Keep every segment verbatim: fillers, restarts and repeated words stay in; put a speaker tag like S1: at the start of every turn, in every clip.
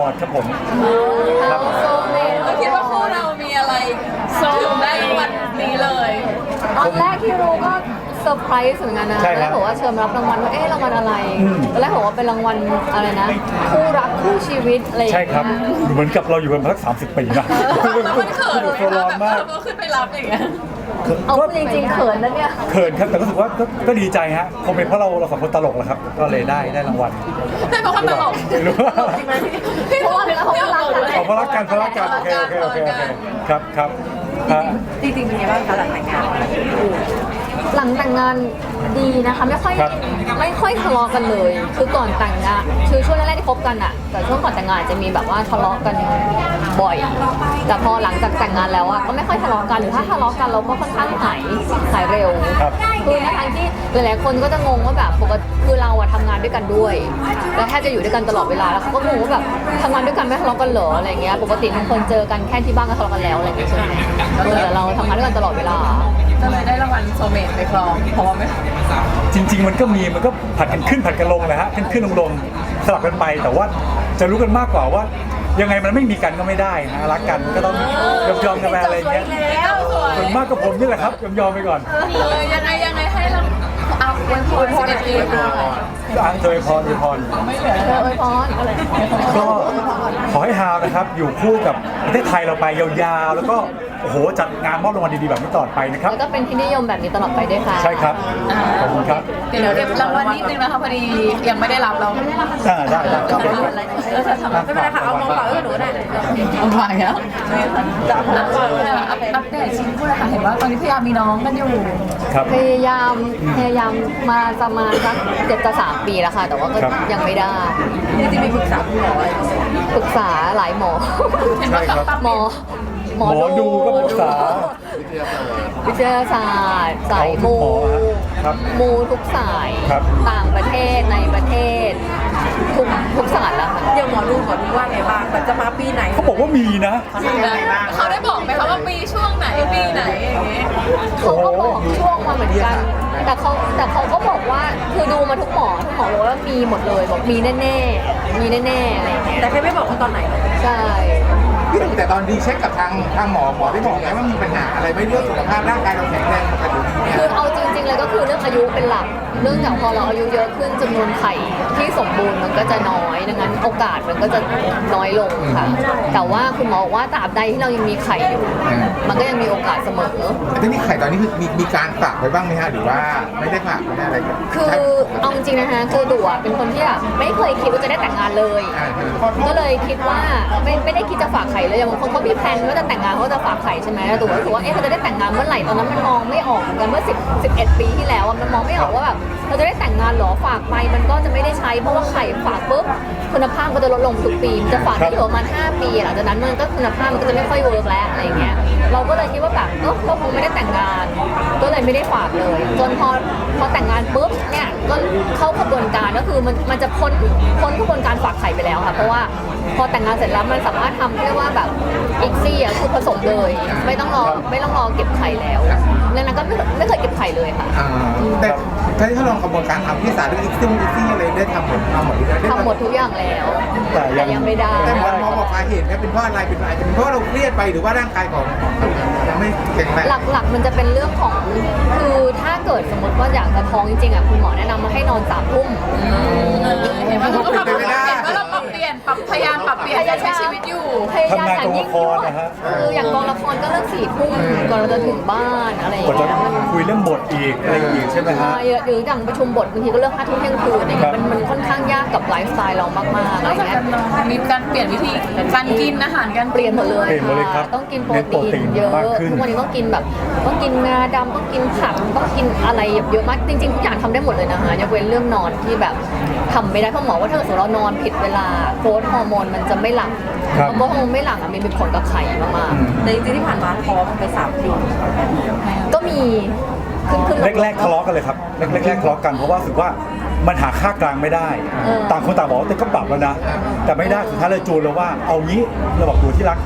S1: อร์ดครับผมครับ
S2: เราคิดว่าคู่เรามีอะไรถึงได้รางวัลนี้เลย
S3: ตอนแรกที่รู้ก็เซอร์ไพรส์เหมือนกันนะ
S1: ใช่ครับ
S3: แล้วบอกว่าเชิญมารับรางวัลว่าเอ๊ะรางวัลอะไร
S1: อืม
S3: ตอนแรกบอกว่าเป็นรางวัลอะไรนะคู่รักคู่ชีวิตอะไรอย่าง
S1: ใช่
S3: เงี้ย
S1: ครับ เหมือนกับเราอยู่กันมาสักสามสิบปีนะ
S2: แล้วมันเขินไหม
S1: โซ
S2: คะ
S1: ร้อน
S2: แบบ
S1: มาก
S2: เราขึ้นไปรับอย่างเงี้ย
S3: เอา
S1: ก็
S3: จริงๆเขินนะเนี่ย
S1: เขินครับแต่รู้สึกว่าก็ก็ดีใจฮะคงเป็นเพราะเราเราสองคนตลกแหละครับ ก็เลยได้ได้รางวัล
S2: ให้เพราะความตลก
S1: ไม่รู้ว่า
S2: พี่เพราะว่าเพราะว่าเรา
S1: เอาเพราะรักกันเพราะรักกันโอเคโอเคโอเคโอเคครับครับฮะ
S4: จริงๆเป็นไงบ้างคะหลังแต่งงาน
S3: หลังแต่งงานดีนะคะไม่ค่อย
S1: ครับ
S3: ไม่ค่อยทะเลาะกันเลย คือก่อนแต่งงานคือช่วงแรกๆที่คบกันอะแต่ช่วงก่อนแต่งงานจะมีแบบว่าทะเลาะกันบ่อย แต่พอหลังจากแต่งงานแล้วอะก็ไม่ค่อยทะเลาะกันหรือถ้าทะเลาะกันเราก็ค่อนข้างหายหายเร็ว
S1: ครับ
S3: คือในทางที่หลายๆคนก็จะงงว่าแบบปกติคือเราอะทำงานด้วยกันด้วย แล้วแทบจะอยู่ด้วยกันตลอดเวลาแล้วเขาก็งงว่าแบบทำงานด้วยกันไม่ทะเลาะกันเหรออะไรเงี้ยปกติทุกคนเจอกันแค่ที่บ้านก็ทะเลาะกันแล้วอะไรเงี้ยใช่ไหมเออแต่เราทำงานด้วยกันตลอดเวลา
S2: ก็เลยได้รางวัลโซเมตไปครองเพราะว่าไม่
S1: จริง ๆ มันก็มีมันก็ผัดกันขึ้นผัดกันลงนะฮะขึ้นขึ้นลงลงสลับกันไป แต่ว่าจะรู้กันมากกว่าว่า ยังไงมันไม่มีกันก็ไม่ได้นะรักกันก็ต้องยอมยอมกันไปอะไรอย่างเงี้ย
S2: แล้วสวย
S1: ส่วนมากก็ผมนี่แหละครับยอมยอมไปก่อน
S2: เออยังไงยังไงให้เราเอาอวยพรสิบเอ็ดปีค่ะ
S1: อ่ะเธอพรเธอพร
S2: ไม่เหลือ
S3: เธออวยพรอะไร
S1: ก็ขอให้ฮาวนะครับอยู่คู่กับประเทศไทยเราไปยาวๆ แล้วก็โอ้โหจัดงานมอบรางวัลดีๆแบบนี้ตลอดไปนะครับ
S3: แล้วก็เป็นที่นิยมแบบนี้ตลอดไปด้วยค่ะ
S1: ใช่ครับขอบคุณครับ
S2: เดี๋ยวเดี๋ยวรางวัลนิดนึงนะคะพอดียังไม่ได้รับเรา
S1: อ่าได้ได้ครับ
S2: เออจะทำ
S4: ไม่เป็นไรค่ะเอามองเปล่าให้หนูได้
S2: เอาไปแล้วจะอัปอัปเดตชีวิตคู่เลยค่ะเห็นว่าตอนนี้พยายามมีน้องกันอยู่
S1: ครับ
S3: พยายามพยายามมาประมาณสักเจ็ดจะสามปีแล้วค่ะ แต่ว่าก็
S1: ครับ
S3: ยังไม่ได้
S4: จริงๆมีปรึกษาคุณหมออะไร
S3: ปรึกษาหลายหมอ
S2: เห็นว่า
S1: ใช่ครับ
S2: ตับ
S3: หมอ
S1: หมอดูก็ปรึกษา
S3: วิทยาศาสตร์สายมู
S1: เอาทุกหมอฮะครับ
S3: มูทุกสาย
S1: ครับ
S3: ต่างประเทศในประเทศ ทุกทุกศาสตร์แล้วค่ะ
S4: อย่างหมอดูหมอดูว่าไงบ้างมันจะมาปีไหน
S1: เขาบอกว่ามีนะ
S2: เขาได้บอกไหมคะว่าปีช่วงไหนปีไหนอย่างงี้
S3: เขาก็บอกช่วงมาเหมือนกัน แต่เขาแต่เขาก็บอกว่าคือดูมาทุกหมอทุกหมอบอกว่ามีหมดเลยบอกมีแน่ๆมีแน่ๆอะไรอย่างเงี้ย
S4: แต่แค่ไม่บอกว่าตอนไหน
S3: ใช่
S5: แต่ตอนดีเช็คกับทางทางหมอหมอได้บอกไหมว่ามีปัญหาอะไรไหม่เรื่องสุขภาพร่างกายเราแข็งแรงปกติดีเนี่ย
S3: คือเอาจริงๆเลยก็คือเรื่องอายุเป็นหลักเรื่องจากพอเราอายุเยอะขึ้นจำนวนไข่ที่สมบูรณ์มันก็จะน้อยดังนั้นโอกาสมันก็จะน้อยลงค่ะ แต่ว่าคุณหมอบอกว่าตราบใดที่เรายังมีไข่อยู่ มันก็ยังมีโอกาสเสมอ
S5: แต่ที่นี่ไข่ตอนนี้คือมีมีการฝากไว้บ้างไหมฮะหรือว่าไม่ได้ฝากไม่ได้อะไรกัน
S3: คือเอาจริงๆนะคะคือดูอะเป็นคนที่แบบไม่เคยคิดว่าจะได้แต่งงานเลย ก็เลยคิดว่าไม่ไม่ได้คิดจะฝากไข่เลยอย่างบางคนเขามีแพลนว่าจะแต่งงานเขาจะฝากไข่ใช่ไหมแต่ตัวรู้สึกว่าเอ๊ะเราจะได้แต่งงานเมื่อไหร่ตอนนั้นมันมองไม่ออกเหมือนกันเมื่อสิบ สิบเอ็ดปีที่แล้วอะมันมองไม่ออกว่าแบบเราจะได้แต่งงานหรอฝากไปมันก็จะไม่ได้ใช้เพราะว่าไข่ฝากปุ๊บคุณภาพมันจะลดลงทุกปีมันจะฝากได้อยู่ประมาณห้าปีหลังจากนั้นมันก็คุณภาพมันก็จะไม่ค่อยเวิร์กแล้วอะไรอย่างเงี้ยเราก็เลยคิดว่าแบบเออเราคงไม่ได้แต่งงาน ก็เลยไม่ได้ฝากเลย จนพอพอแต่งงานปุ๊บเนี่ยก็เข้ากระบวนการก็คือมันมันจะพ้นพ้นกระบวนการฝากไข่ไปแล้วค่ะเพราะว่าพอแต่งงานเสร็จแล้วมันสามารถทำเรียกว่าแบบอีกซี่อ่ะคือผสมเลย ไม่ต้องรอไม่ต้องรอเก็บไข่แล้วดังนั้นก็ไม่ไม่เคยเก็บไข่เลยค่ะ
S5: อ่าแต่ถ้าที่เขาลองกระบวนการทำที่ศาลเรื่องอีกซิ่งอีกซิ่งอะไรได้ทำหมดทำหมดได้
S3: ทำหมดทุกอย่างแล้ว
S1: แต่ยัง
S3: ยังไม่ได้
S5: แต่หมอหมอบอกสาเหตุเนี่ยเป็นเพราะอะไรเป็นอาจจะเป็นเพราะเราเครียดไปหรือว่าร่างกายของยังไม่แข็งแรง
S3: หลักๆมันจะเป็นเรื่องของคือถ้าเกิดสมมติว่าอยากจะท้องจริงๆอ่ะคุณหมอแนะนำมาให้นอนสามทุ่ม
S2: เห็นว่าเราก็ปรับเปลี่ยนว่าเราปรับเปลี่ยนปรับพยายามปรับเปลี่ยนการใช้ชีวิตอยู่
S3: พยายาม
S1: ทำงานกองละครนะฮะ
S3: คืออย่างกองละครก็เลิกสี่ทุ่มก่อนเราจะถึงบ้านอะไรอย่าง
S1: กว่าจะ
S3: เงี้ยมัน
S1: คุยเรื่องบทอีกอะไรอีกใช่ไหมฮะ
S3: ใช่หรืออย่างประชุมบทบางทีก็เลิกห้าทุ่มเที่ยงคืนอะไรเงี้ยมันมันค่อนข้างยากกับไลฟ์สไตล์เรามากๆอะไร
S2: นอกจาก
S3: เงี้
S2: กาย รนอนมีการเปลี่ยนวิธีการกินอาหารการ
S3: เปลี่ยนหมดเลย
S1: เปลี่ยนหมดเลยครับ
S3: ค่ะต้องกินโปร
S1: เน้นโปรตี
S3: ตีน
S1: น
S3: เยอะ
S1: มากขึ้น
S3: ทุกวันนี้ต้องกินแบบต้องกินงาดำต้องกินผักต้องกินอะไรเยอะมากจริงๆทุกอย่างทำได้หมดเลยนะคะยกเว้นเรื่องนอนที่แบบทำไม่ได้เพราะหมอว่าถ้าเกิดสมมติเรานอนผิดเวลาโค้ดฮอร์โมนมันจะไม่หลั่ง
S1: ครับ
S3: เพราะฮอร์โมนไม่หลั่งอ่ะมันมีผลกับไข่มาก
S1: อืม
S4: แต่จริงๆที่ผ่านมาท้องไปสามปี
S3: ๆก็มีขึ้นขึ้นลงๆ
S1: แรกๆทะเลาะกันเลยครับแรกๆทะเลาะกันเพราะว่ารู้สึกว่ามันหาค่ากลางไม่ได้
S3: เออ
S1: ต่างคนต่างบอกว่าแต่ก็ปรับแล้วนะ แต่ไม่ได้สุดท้ายเลยจูนแล้วว่าเอางี้เราบอกดูที่รักท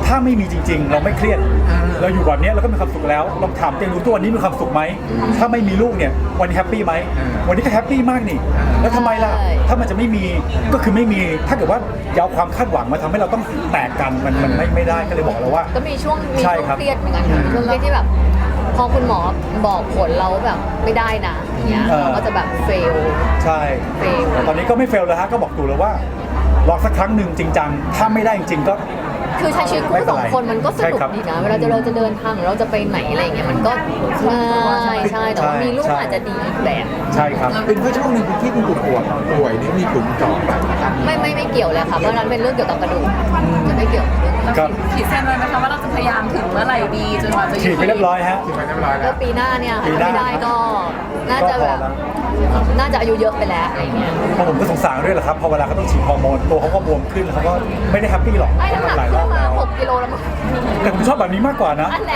S1: ถ้าไม่มีจริง ๆ เราไม่เครียดเราอยู่แบบนี้เราก็มีความสุขแล้วลองถามตัวเองดูตัววันนี้มีความสุขไหมถ้าไม่มีลูกเนี่ยวันนี้แฮปปี้ไหมวันนี้ก็แฮปปี้มากนี่แล้วทำไมล่ะถ้ามันจะไม่มีก็คือไม่มีถ้าเกิดว่าเอาความคาดหวังมาทำให้เราต้องแตกกันมันมันไม่ไม่ได้ก็เลยบอกเราว่า
S3: ก็มีช่วงมี
S1: ใช่
S3: ช่วง
S1: ครับ
S3: เครียดเหมือนกันค่ะมีช่วงเครียดที่แบบพอคุณหมอบอกผลเราแบบไม่ได้นะอย่างเงี้ย
S1: เออ
S3: เราก็จะแบบเฟล
S1: ใช่
S3: เฟล
S1: แต่ตอนนี้ก็ไม่เฟลแล้วฮะก็บอกตู่เลยว่าลองสักครั้งหนึ่งจริงจังถ้าไม่ได้จริงๆก็
S3: คือใช้ชีวิตคู่สองคนมันก็ส
S1: ใช่
S3: นุก
S1: ครับ
S3: ดีนะเวลาจะเราจะเดินทางหรือเราจะไปไหนอะไรอย่างเงี้ยมันก็ง่ายใช่แต่ว่ามีลูก
S1: ใช่
S3: อาจจะดีอีกแบบ
S1: ใช่ครับ
S5: เป็นเพราะช่วงหนึ่งที่คุณป่วยป่วยนี่มีถุงเจาะแบบนั้น
S3: ไม่ไม่ไม่เกี่ยวเลยค่ะเพราะนั้นเป็นเรื่องเกี่ยวกับกระดูกจะไม่เกี่ยว
S1: ครับ
S2: ขีดเส้นไว้ไหมคะว่าเราจะพยายามถึงเมื่อไหร่ดีจนกว่าจะ
S1: ฉีดไปเรียบร้อยฮะ
S5: ที่ไปเรียบร้อยแล้
S3: ก็
S5: ว
S3: ปีหน้าเนี่ย
S1: ปี
S3: ถ้า
S1: หน้า
S3: ไม่ได้ก็น่าจะแบบ
S1: ก็พอแล้ว
S3: น่าจะอายุเยอะไปแล้วอะไรเงี้ย
S1: เพราะผมก็สงสารด้วยแหละครับพอเวลาเขาต้องฉีดฮอร์โมนตัวเขาก็บวมขึ้นเขาก็ไม่ได้แฮปปี้หรอก
S3: ไอ้น้ำหนัก
S1: หลายร
S3: ขึ้
S1: อน บ
S3: มา
S1: แล้ว
S3: หกกิโลแล้วมั้ง
S1: แต่ผมชอบแบบนี้มากกว่านะ
S3: อันแหละ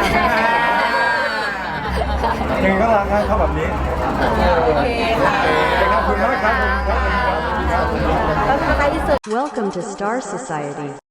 S1: ยังไงก็รักนะชอบแบบนี้
S3: โอเคค่ะ
S1: ขอบคุณมากครับ
S4: แล้วก็ใกล้ที่สุด
S6: Welcome to Star Society.